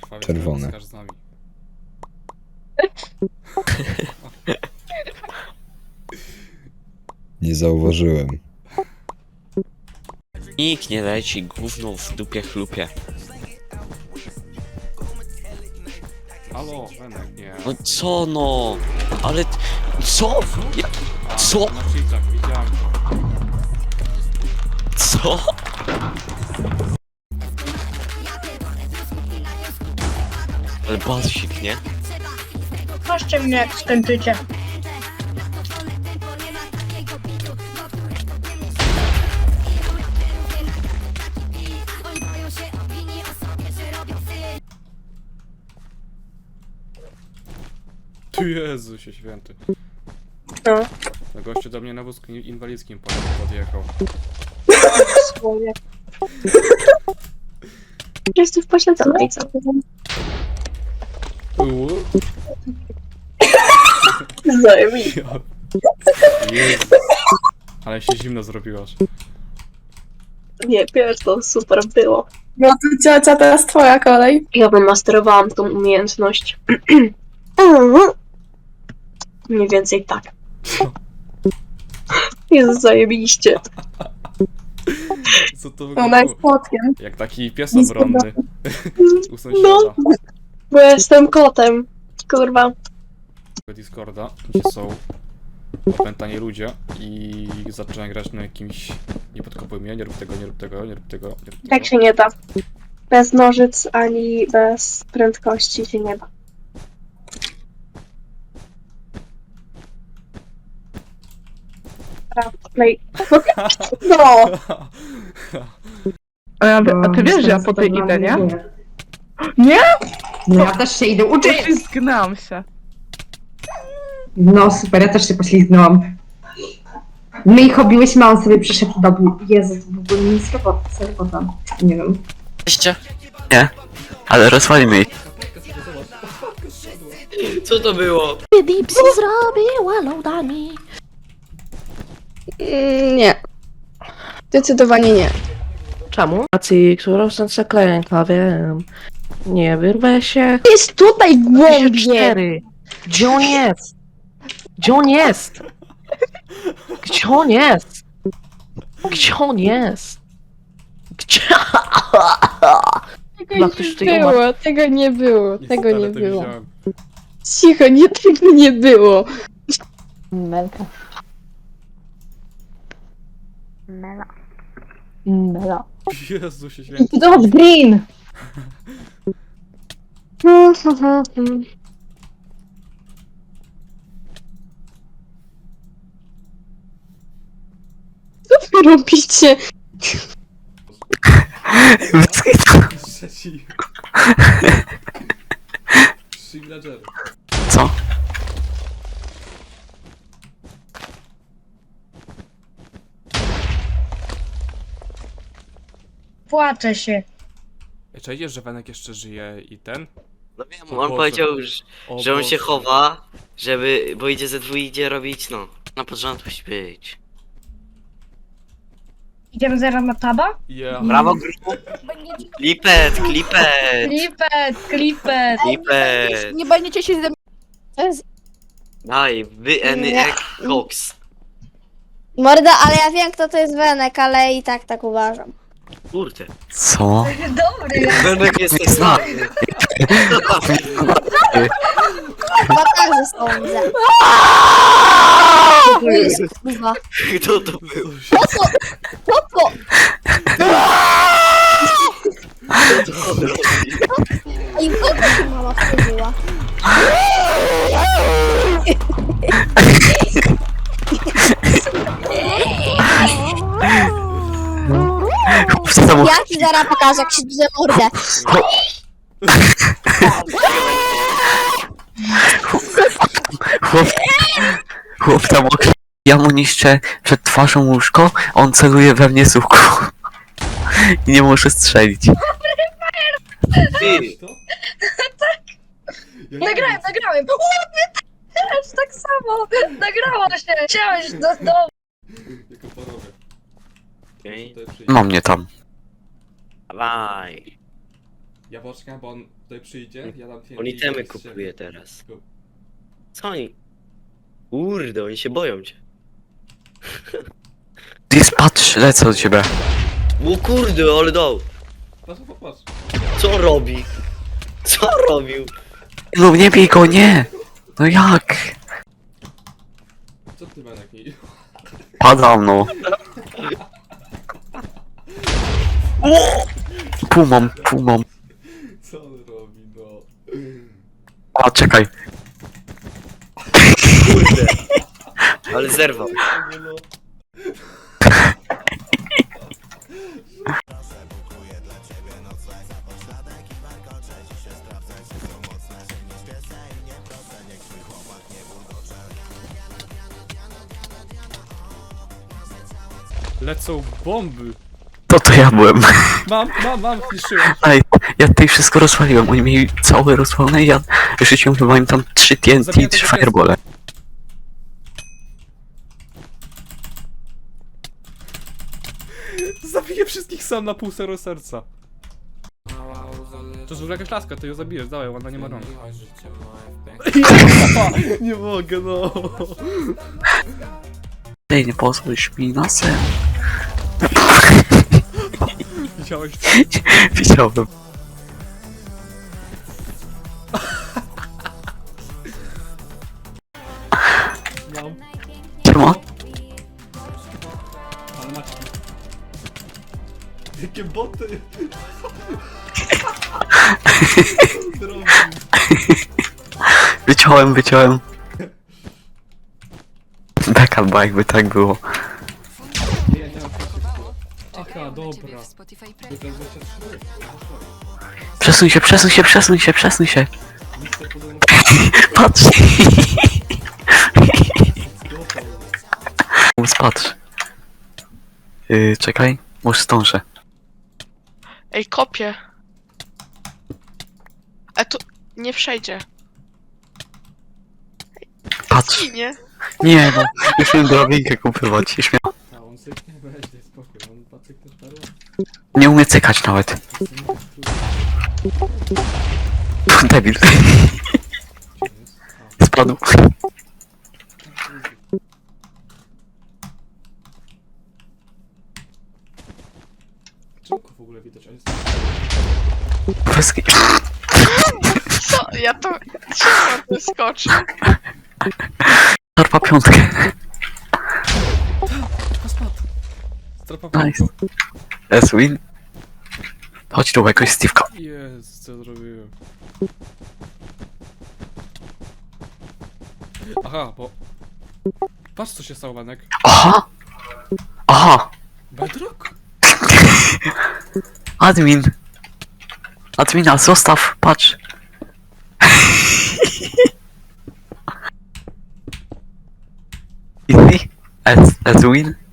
Czerwone. Skaż z nami. Nie zauważyłem. Nikt nie leci, gówno w dupie chlupie. Halo, Wenek, nie. No co no? Ale... Co? Co? Na cheatach, widziałem to. Co? Ale basik, nie? Proszę mnie, jak skończycie. Ty Jezusie święty. No. No gościu do mnie na wózku inwalidzkim podjechał. Słowie. Jestem pośledzona i co? Zajebiście. Jezus. Ale się zimno zrobiłaś. Nie, wiesz, to super było. No to ciocia, teraz twoja kolej. Ja bym masterowałam tą umiejętność. Mniej więcej tak. Jezu, zajebiście. Co to Ona jest wyglądało? kotkiem. Jak taki pies obronny. U sąsiada. No. Bo ja jestem kotem. Kurwa. Discorda, gdzie są opętani ludzie i zaczynają grać na jakimś... Nie podkopuj mnie, nie rób tego, nie rób tego, nie rób tego, nie rób tego. Tak się nie da. Bez nożyc ani bez prędkości się nie da. No i... No! A ty wiesz, że ja po tej idę, nie? Nie? No ja też się idę uczyć! Zgnałam się. No super, ja też się poślizgnęłam. My ich obiłyśmy, a on sobie przyszedł do mnie. Jezu, to w ogóle nie jest robota. Nie wiem. Cześć. Nie. Ale rozwalimy ich. Co to było? Dipsy zrobiła loadami. Nie. Zdecydowanie nie. Czemu? Racji, którą serce klęka, wiem. Nie wyrwę się. Jest tutaj głębie! 4. Gdzie on jest? Gdzie on jest? Gdzie on jest? Gdzie on jest? Gdzie... Chyba ktoś tutaj umarł. Tego nie było, tego nie Niestety, to było. widziałem. Cicho, nie, tego nie było. Melka. Mela. Jezusie święty. Dobrze, Green! Co wy robicie? Trzeci. Villager. Co? Płaczę się. Czy idziesz, że Wenek jeszcze żyje i ten? No wiem, O on Boże. powiedział, O że on się Boże. chowa, żeby... Bo idzie ze dwóch idzie robić, no. Na porządku musi być. Idziemy zaraz na taba? Yeah. Brawo, grupu. Klipet, klipet, Klipet. klipet. Nie będziecie się ze mnie... Daj, wynek koks. Morda, ale ja wiem kto to jest Wenek, ale i tak uważam. Kurde. Co? Dobry. Wenek jesteś znany. Chyba także sądzę. To jest kurwa. Kto to był? Koko! I kogo tu mama wchodziła? Ja ci zaraz pokażę, jak się drze mordę. Chłop tam okrzy... Ja mu niszczę przed twarzą łóżko, on celuje we mnie z łuku. I nie może strzelić. Ty! To? Nagrałem. Też tak samo. Nagrało się. Chciałeś do domu. Jako porobę. Okay. Tutaj przyjdzie. No mnie tam. Dawaj. Ja poczekam, bo on tutaj przyjdzie, ja dam TNT. On itemy kupuje teraz. Co oni? Kurde, oni się boją cię. Dis, patrz, lecę od ciebie. O kurde, ale dał. Patrz, popatrz. Co on robi? Co on robił? No nie bij go, nie! No jak? Co ty, Benek, nie? Padam, no. Pół mam. Co on robi, no? A, czekaj. Kurde. Ale zerwał. Nie no. Lecą bomby. To ja byłem. Mam, zniszczyłem. Ej, ja tutaj wszystko rozwaliłem. Oni mieli całe rozwalone i ja rzuciłem chyba im tam 3 TNT i 3 firebole. Zabiję wszystkich sam na pół serca. To już jakaś laska, to ją zabijesz, dawaj, ona nie ma rąk. Nie mogę, no. Ej, nie pozwolisz mi na sen. Widziałeś? Widziałem. Mam. Siema. Ale macie. Jakie boty! Zrobił. Wyciąłem. Backup, bo jakby tak było. Nie, nie mam wszystko. Aha, dobra. To jest 23. Przesuń się. Mister podobno Patrz. Patrz. Czekaj, może zdążę. Ej, kopię. Tu nie przejdzie. Patrz. Ginie. Nie no, już miałem drabinkę kupywać i śmiał. A on syknie, weź, spokój, on pacyk też perła. Nie umie cykać nawet. Debil. Spadł. Czemu go w ogóle widać? On jest... Weski. Co? Ja to... Trzeba wyskoczyć. Czarpa piątkę. Spadł. Strapa Nice. S-win. Chodź tu, jakoś Steve'ka. Jest, co zrobiłem. Aha, bo... Patrz co się stało, Benek. Aha. Bedrock? Admina, zostaw, patrz. Easy. S-win.